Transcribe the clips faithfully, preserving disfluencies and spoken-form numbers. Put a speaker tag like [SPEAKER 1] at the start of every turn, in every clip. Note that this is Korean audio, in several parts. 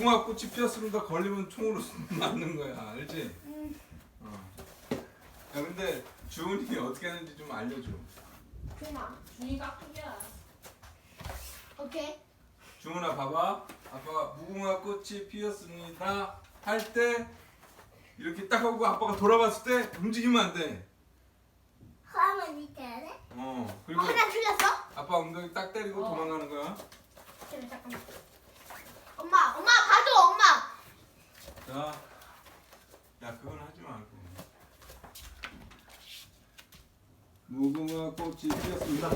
[SPEAKER 1] 무궁화 꽃이 피었습니다. 걸리면 총으로 맞는 거야, 알지?
[SPEAKER 2] 음.
[SPEAKER 1] 어. 야 근데 주은이 어떻게 하는지 좀 알려줘.
[SPEAKER 2] 주마.
[SPEAKER 3] 준이가 크기야.
[SPEAKER 2] 오케이.
[SPEAKER 1] 주은아 봐봐. 아빠가 무궁화 꽃이 피었습니다 할 때 이렇게 딱 하고 아빠가 돌아봤을 때 움직이면 안 돼.
[SPEAKER 2] 하면 이렇게 해야 돼?
[SPEAKER 1] 어.
[SPEAKER 2] 어,
[SPEAKER 1] 그리고
[SPEAKER 2] 하나 틀렸어?
[SPEAKER 1] 아빠 엉덩이 딱 때리고
[SPEAKER 3] 어.
[SPEAKER 1] 도망가는 거야.
[SPEAKER 2] 잠깐만, 잠깐만. 엄마, 엄마 봐줘, 엄마.
[SPEAKER 1] 자, 야 그건 하지 말고. 무궁화 꽃이 피었습니다.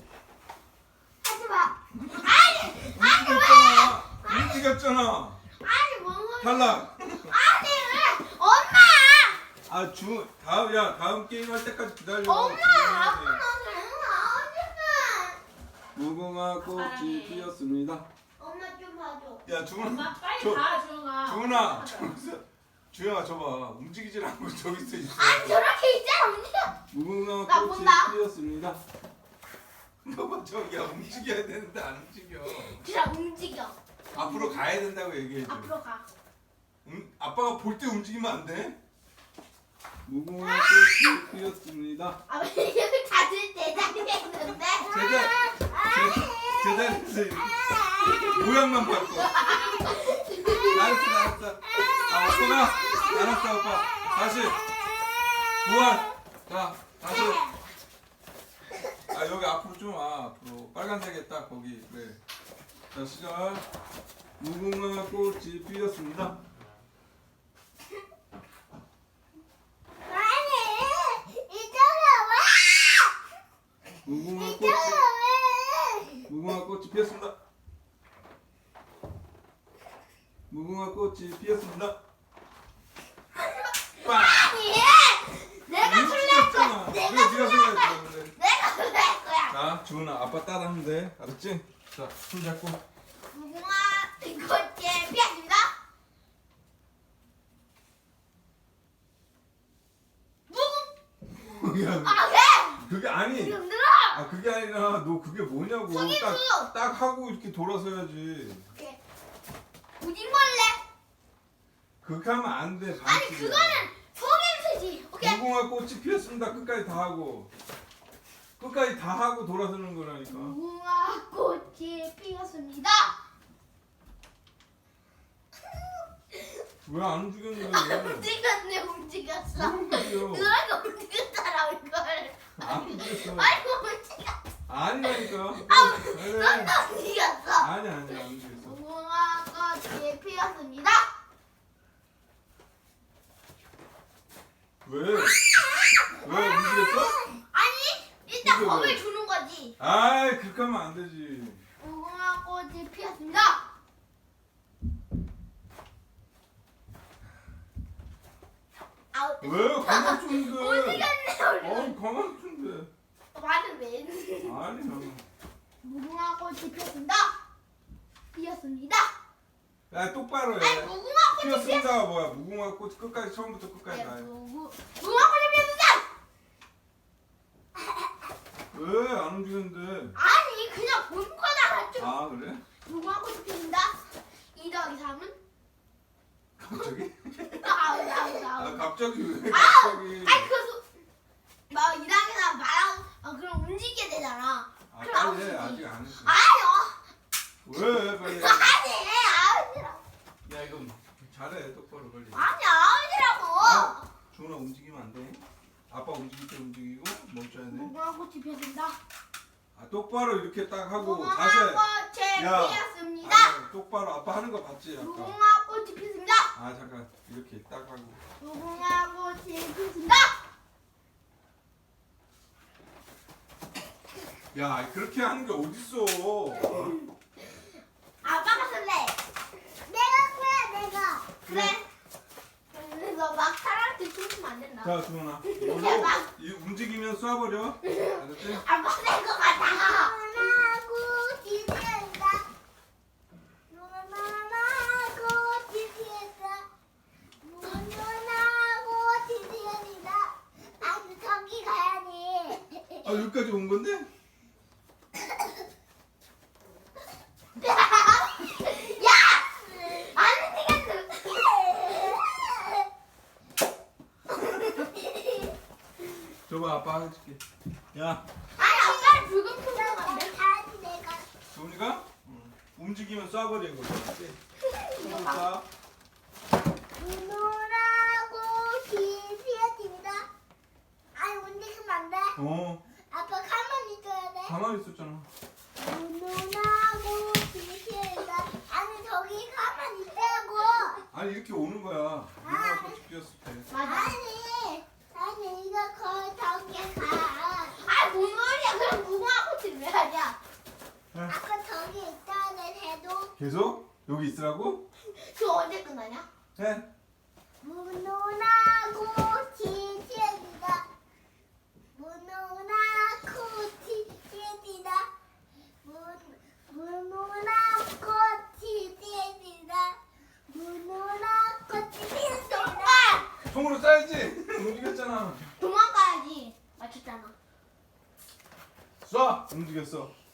[SPEAKER 2] 하지 마. 아니,
[SPEAKER 1] 움직였잖아. 움직였잖아.
[SPEAKER 2] 아니 뭔 소리야?
[SPEAKER 1] 탈락.
[SPEAKER 2] 아니 왜? 엄마.
[SPEAKER 1] 아 주 다음 야 다음 게임 할 때까지 기다려.
[SPEAKER 2] 엄마, 아빠
[SPEAKER 1] 주문해.
[SPEAKER 2] 나오지마.
[SPEAKER 1] 무궁화 꽃이
[SPEAKER 3] 사랑해.
[SPEAKER 1] 피었습니다.
[SPEAKER 2] 엄마 좀 봐줘.
[SPEAKER 1] 야 주문.
[SPEAKER 3] 엄마 빨리
[SPEAKER 1] 저-
[SPEAKER 3] 가, 주영아.
[SPEAKER 1] 주문아 저기서 주영아 저봐 움직이질 않고 저기서 있어.
[SPEAKER 2] 아니 저렇게 있잖아, 움직여.
[SPEAKER 1] 무궁화
[SPEAKER 2] 나
[SPEAKER 1] 꽃이
[SPEAKER 2] 본다.
[SPEAKER 1] 피었습니다. 너봐 저기야 움직여야 되는데 안 움직여.
[SPEAKER 2] 그냥 움직여.
[SPEAKER 1] 앞으로 가야 된다고 얘기해줘.
[SPEAKER 2] 앞으로 가.
[SPEAKER 1] 음, 아빠가 볼 때 움직이면 안 돼? 무궁화 꽃이 피었습니다.
[SPEAKER 2] 아, 왜 이렇게 다들 대장에 있는데?
[SPEAKER 1] 제자 제, 제자리에서 이렇게 모양만 바꿔. 알았어 알았어. 아 오빠가 알았어 오빠. 다시 부활. 자 다시. 아 여기 앞으로 좀 와. 앞으로 빨간색에 딱 거기 그래. 자 시작. 무궁화 꽃이 피었습니다.
[SPEAKER 2] 아니, 이쪽으로 와!
[SPEAKER 1] 무궁화 꽃이
[SPEAKER 2] 이쪽으로 와!
[SPEAKER 1] 무궁화 꽃이 피었습니다. 무궁화 꽃이 피었습니다. 빵!
[SPEAKER 2] 아니, 내가 술래 거야.
[SPEAKER 1] 움직였잖아.
[SPEAKER 2] 내가
[SPEAKER 1] 그래, 네가
[SPEAKER 2] 술래
[SPEAKER 1] 생각해
[SPEAKER 2] 거야.
[SPEAKER 1] 그러는데.
[SPEAKER 2] 내가 술래 거야.
[SPEAKER 1] 자, 주은아, 아빠 따라하면 돼. 알았지? 자, 손 잡고.
[SPEAKER 2] 무궁화 꽃이 피었습니다. 무궁.
[SPEAKER 1] 야,
[SPEAKER 2] 아, 왜?
[SPEAKER 1] 그게 아니.
[SPEAKER 2] 지금 들어.
[SPEAKER 1] 아, 그게 아니라 너 그게 뭐냐고.
[SPEAKER 2] 속임수.
[SPEAKER 1] 딱, 딱 하고 이렇게 돌아서야지.
[SPEAKER 2] 오케이. 우징벌레.
[SPEAKER 1] 그렇게 하면 안 돼.
[SPEAKER 2] 아니
[SPEAKER 1] 반칙이야.
[SPEAKER 2] 그거는 속임수지. 오케이.
[SPEAKER 1] 무궁화 꽃이 피었습니다. 끝까지 다 하고. 끝까지 다 하고 돌아서는 거라니까.
[SPEAKER 2] 무궁화 꽃이 피었습니다.
[SPEAKER 1] 왜 안 움직였는데?
[SPEAKER 2] 움직였네, 움직였어.
[SPEAKER 1] 왜 움직여?
[SPEAKER 2] 너가 움직였잖아 이걸.
[SPEAKER 1] 안 움직였어.
[SPEAKER 2] 아이고 움직였어.
[SPEAKER 1] 아니라니까.
[SPEAKER 2] 아,
[SPEAKER 1] 그래.
[SPEAKER 2] 넌 움직였어.
[SPEAKER 1] 아니 아니 안 움직였어.
[SPEAKER 2] 무궁화 꽃이 피었습니다.
[SPEAKER 1] 왜? 왜 움직였어?
[SPEAKER 2] 아니 일단
[SPEAKER 1] 이거
[SPEAKER 2] 겁을
[SPEAKER 1] 왜?
[SPEAKER 2] 주는 거지.
[SPEAKER 1] 아이 그렇게 하면 안 되지.
[SPEAKER 2] 무궁화 꽃이 피었습니다. 아우.
[SPEAKER 1] 왜 가만 둔데?
[SPEAKER 2] 움직였네
[SPEAKER 1] 어
[SPEAKER 2] 우리.
[SPEAKER 1] 가만 둔데.
[SPEAKER 2] 말을 왜 했는데.
[SPEAKER 1] 아니야.
[SPEAKER 2] 무궁화 꽃이 피었습니다. 피었습니다.
[SPEAKER 1] 야 똑바로
[SPEAKER 2] 아니
[SPEAKER 1] 해.
[SPEAKER 2] 무궁화 꽃이 피었.
[SPEAKER 1] 피었습니다가 뭐야? 무궁화 꽃 끝까지 처음부터 끝까지 다 해.
[SPEAKER 2] 무궁 무궁화 꽃이 피었습니다.
[SPEAKER 1] 왜 안 움직였는데?
[SPEAKER 2] 아니 그냥 본 거잖아. 좀.
[SPEAKER 1] 아 그래?
[SPEAKER 2] 무궁화 꽃이 피었습니다. 이 더하기 삼은?
[SPEAKER 1] 갑자기?
[SPEAKER 2] 아우 아우
[SPEAKER 1] 아
[SPEAKER 2] 아우.
[SPEAKER 1] 갑자기 왜
[SPEAKER 2] 아우!
[SPEAKER 1] 갑자기?
[SPEAKER 2] 아니 그래서 막 이랑이나 말하고 아, 그럼 움직이게 되잖아.
[SPEAKER 1] 아
[SPEAKER 2] 그럼
[SPEAKER 1] 빨리 해.
[SPEAKER 2] 아웃이지.
[SPEAKER 1] 아직 안 했어.
[SPEAKER 2] 아니요.
[SPEAKER 1] 왜 빨리? 해.
[SPEAKER 2] 아니 아웃이라고.
[SPEAKER 1] 야 이거 잘해 똑바로 빨리.
[SPEAKER 2] 아니 아웃이라고.
[SPEAKER 1] 주은아 움직이면 안 돼. 아빠 움직일 때 움직이고 멈춰야 돼.
[SPEAKER 2] 무궁화 꽃이 피었습니다.
[SPEAKER 1] 아 똑바로 이렇게 딱 하고
[SPEAKER 2] 무궁화
[SPEAKER 1] 자세.
[SPEAKER 2] 꽃이
[SPEAKER 1] 야.
[SPEAKER 2] 피었습니다.
[SPEAKER 1] 아, 똑바로 아빠 하는 거 봤지 아까.
[SPEAKER 2] 무궁화 꽃이 피었습니다.
[SPEAKER 1] 아 잠깐 이렇게 딱 하고.
[SPEAKER 2] 무궁화 꽃이 피었습니다.
[SPEAKER 1] 야 그렇게 하는 게 어딨어?
[SPEAKER 2] 아빠가 쓸래. 내가 그래 내가. 그래. 그래서 막 사람한테 춤추면 안 된다.
[SPEAKER 1] 자 주은아 이걸로
[SPEAKER 2] 대박.
[SPEAKER 1] 이 움직이면 쏴버려. 알았지?
[SPEAKER 2] 아빠 쓸거 같아.
[SPEAKER 4] 무궁화 꽃이 피었다. 무궁화 꽃이 피었다. 무궁화 꽃이 피었다. 아, 저기 가야지.
[SPEAKER 1] 아 여기까지 온 건데?
[SPEAKER 2] 야! 아니
[SPEAKER 1] 해줄게. 야,
[SPEAKER 2] 아니 아까 붉은 풍선 안 돼?
[SPEAKER 4] 가야지 내가.
[SPEAKER 1] 도훈이가 응. 움직이면 쏴버리는 거지. 손으로 쏴.
[SPEAKER 4] 눈오라고 기피해집니다. 아니 움직이면 안 돼.
[SPEAKER 1] 어,
[SPEAKER 4] 아빠 가만히 있어야 돼.
[SPEAKER 1] 가만히 있었잖아.
[SPEAKER 4] 눈오라고 기피해집니다. 아니 저기 가만히 있다고.
[SPEAKER 1] 아니 이렇게 오는 거야. 무궁화 꽃이 피었을 때.
[SPEAKER 2] 맞아.
[SPEAKER 4] 아니 아니 이거 거의 저기 가.
[SPEAKER 2] 아 뭔 소리야? 그럼 무궁화 꽃을 왜 하냐?
[SPEAKER 4] 아까 저기 있어야 돼 해도.
[SPEAKER 1] 계속 여기 있으라고?
[SPEAKER 2] 저 언제 끝나냐?
[SPEAKER 1] 해.
[SPEAKER 4] 문오라고 기피해집니다. 문오라고 기피해집니다. 문 문오라고 기피해집니다. 문오라고 기피해집니다.
[SPEAKER 2] 오빠
[SPEAKER 1] 총으로 쏴야지. 움직였잖아.
[SPEAKER 2] 도망가야지. 맞췄잖아.
[SPEAKER 1] 쏴. 움직였어.